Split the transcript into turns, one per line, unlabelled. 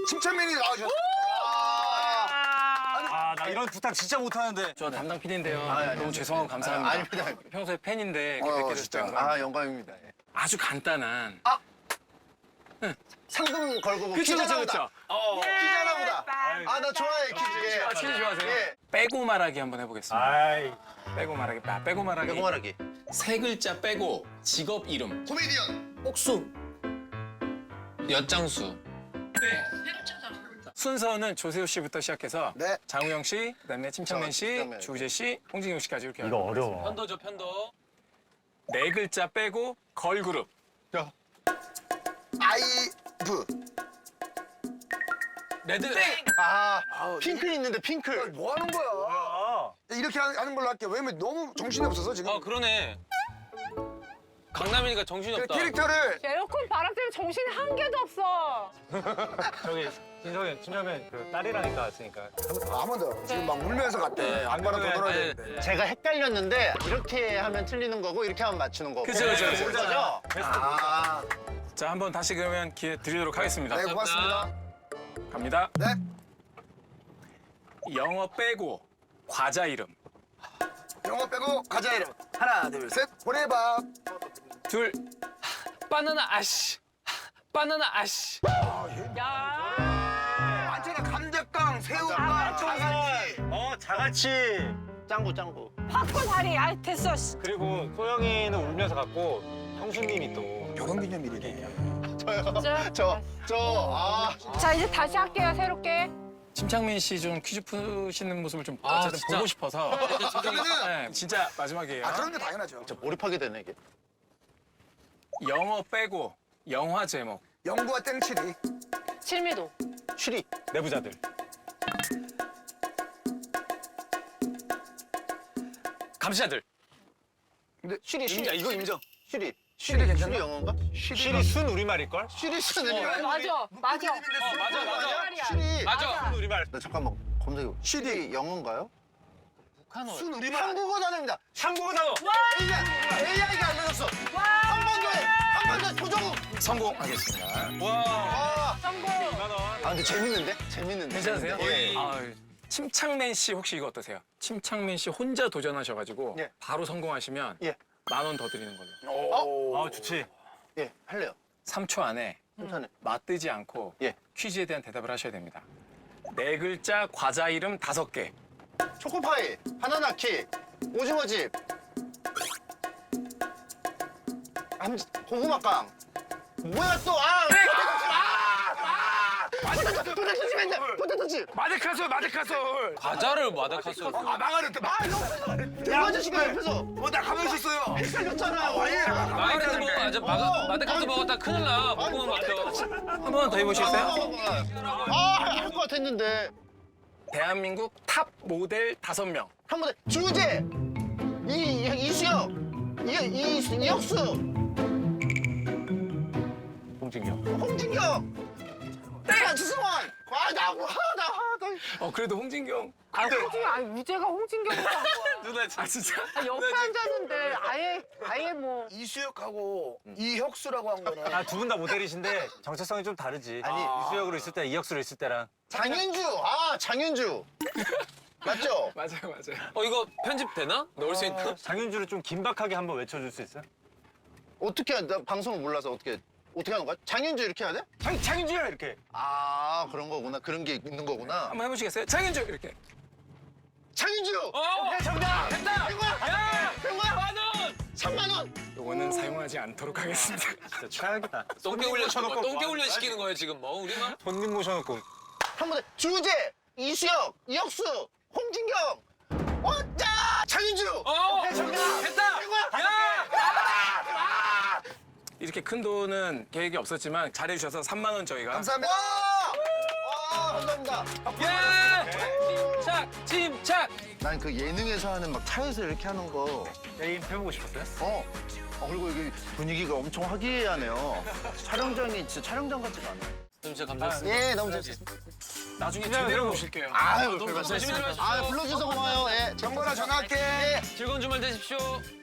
침착맨이 나와주셨어요.
나 이런 부탁 진짜 못하는데.
저 담당 PD인데요.
아니,
너무 죄송하고 감사합니다.
아닙니다.
평소에 팬인데 이렇게 뵙게 돼서
진짜.
영광입니다.
영광입니다. 예.
아주 간단한.
상금 걸고 뭐
그쵸,
퀴즈
그쵸, 그쵸.
퀴즈나 보다. 나 좋아해 퀴즈. 예.
아, 퀴즈 좋아하세요?
예.
빼고 말하기 한번 해보겠습니다.
아이.
빼고 말하기. 빼고 말하기.
배고 말하기.
세 글자 빼고 직업 이름.
코미디언.
옥수.
엿장수.
순서는 조세호 씨부터 시작해서
네.
장우영 씨, 그다음에 침착맨 씨,
침착맨.
주우재 씨, 홍진경 씨까지 이렇게.
이거 어려워.
편도죠, 편도.
네 글자 빼고 걸그룹.
아이브.
레드.
핑크 있는데 핑크.
뭐 하는 거야? 이렇게 하는 걸로 할게. 왜냐면 너무 정신이 없어서 지금.
아, 그러네. 강남이니까 정신이
그
없다.
캐릭터를
에어컨 바람 때문에 정신이 한 개도 없어.
저기 진정면 그 딸이라니까 왔으니까.
한 번 더. 지금 막 울면서 갔대. 안바람 더 놀아야
네,
되는데.
제가 헷갈렸는데 이렇게 하면 틀리는 거고 이렇게 하면 맞추는 거고.
그쵸, 그쵸, 그쵸.
그거죠?
아,
자, 한번 다시 그러면 기회 드리도록 하겠습니다.
네, 고맙습니다.
갑니다.
네.
영어 빼고 과자 이름.
영어 빼고 가자 이름. 하나, 둘, 셋. 보내봐.
둘.
바나나 아씨. 바나나 아씨.
야.
많잖아. 감자깡, 새우깡, 자갈치.
자갈치.
짱구.
팝콘 다리. 아 됐어. 씨.
그리고 소영이는 울면서 갔고 형수님이 또.
결혼기념일이네.
진짜.
아.
자 이제 다시 할게요 새롭게.
침착맨 씨 좀 퀴즈 푸시는 모습을 좀
아,
어쨌든
진짜?
보고 싶어서.
그러면은
네, 진짜 마지막이에요.
아, 그런 게 당연하죠.
진짜 몰입하게 되네 이게.
영어 빼고 영화 제목.
영구와 땡칠이.
칠미도.
쉬리.
내부자들.
감시자들.
쉬리.
이거 인정.
쉬리.
쉬리 괜찮나?
쉬리 영어인가?
실이 순 우리말일걸?
쉬리 쓰는 거.
맞아. 맞아.
맞아.
쉬리.
맞아.
순 우리말.
나 잠깐만 검색해.
쉬리.
영어인가요?
북한어.
순 우리말.
한국어 단어입니다.
한국어 단어.
AI가 알려줬어. 한 번 더 해. 한 번 더 도전.
성공하겠습니다.
와.
성공.
2만 원.
아 근데 재밌는데?
괜찮으세요?
예.
아, 침착맨 씨 혹시 이거 어떠세요? 침착맨 씨 혼자 도전하셔가지고
예.
바로 성공하시면
예.
10,000원 더 드리는 걸로.
좋지.
예, 할래요.
3초 안에
괜찮아요.
맞뜨지 않고
예.
퀴즈에 대한 대답을 하셔야 됩니다. 네 글자 과자 이름 5개.
초코파이, 바나나키, 오징어집, 고구마빵. 뭐야 또? 포테토칩.
마데카솔.
과자를 마다카스.
아, 망하랬다.
대화자식이 옆에서
나 가만히 있었어요.
헷갈렸잖아. 와인.
마다카스 먹어. 아주 마다카스 먹었다 큰일 나. 먹으면 막혀.
한 번 더 해보시겠어요?
할 것 같았는데.
대한민국 탑 모델 5명.
한 번 더. 주제. 이수영. 이혁수.
홍진경.
홍진경. 주승원.
그래도 홍진경.
홍진경 아니 우재가 홍진경으로 한 거야.
누나 진짜.
아, 옆에 앉았는데 아예 뭐.
이수혁하고 이혁수라고 한 거는.
두 분 다 모델이신데 정체성이 좀 다르지.
아니,
이수혁으로 있을 때 이혁수로 있을 때랑.
장윤주. 맞죠?
맞아요.
이거 편집되나? 넣을 수 있나?
장윤주를 좀 긴박하게 한번 외쳐줄 수 있어요?
어떻게 나 방송을 몰라서 어떻게 하는 거야? 장윤주 이렇게 해야 돼?
장윤주 이렇게.
그런 거구나. 그런 게 있는 거구나.
한번 해보시겠어요? 장윤주 이렇게.
장윤주.
정답! 됐다!
된 거야?
야!
된 거야?
10,000원!
3만 원.
요거는 사용하지 않도록 하겠습니다.
진짜 최악이다.
똥개 훈련 똥개 훈련 시키는 거예요 지금 뭐 우리만?
손님 모셔놓고.
한 번 더. 주제, 이수혁, 이혁수, 홍진경. 장윤주.
정답! 됐다!
된 거야?
야!
이렇게 큰 돈은 계획이 없었지만 잘해주셔서 3만 원 저희가.
감사합니다.
감사합니다.
침착! 침착!
난 그 예능에서 하는 막 차에서 이렇게 하는 거.
게임 해보고 싶었어요?
그리고 이게 분위기가 엄청 화기애애하네요. 촬영장이 진짜 촬영장 같지가 않아요.
진짜 감사했습니다.
예, 너무 재밌었습니다.
나중에 제대로 모실게요.
아유,
조심히 들어가십시오.
불러주셔서 고마워요. 예.
정보나 전화할게.
즐거운 주말 되십시오.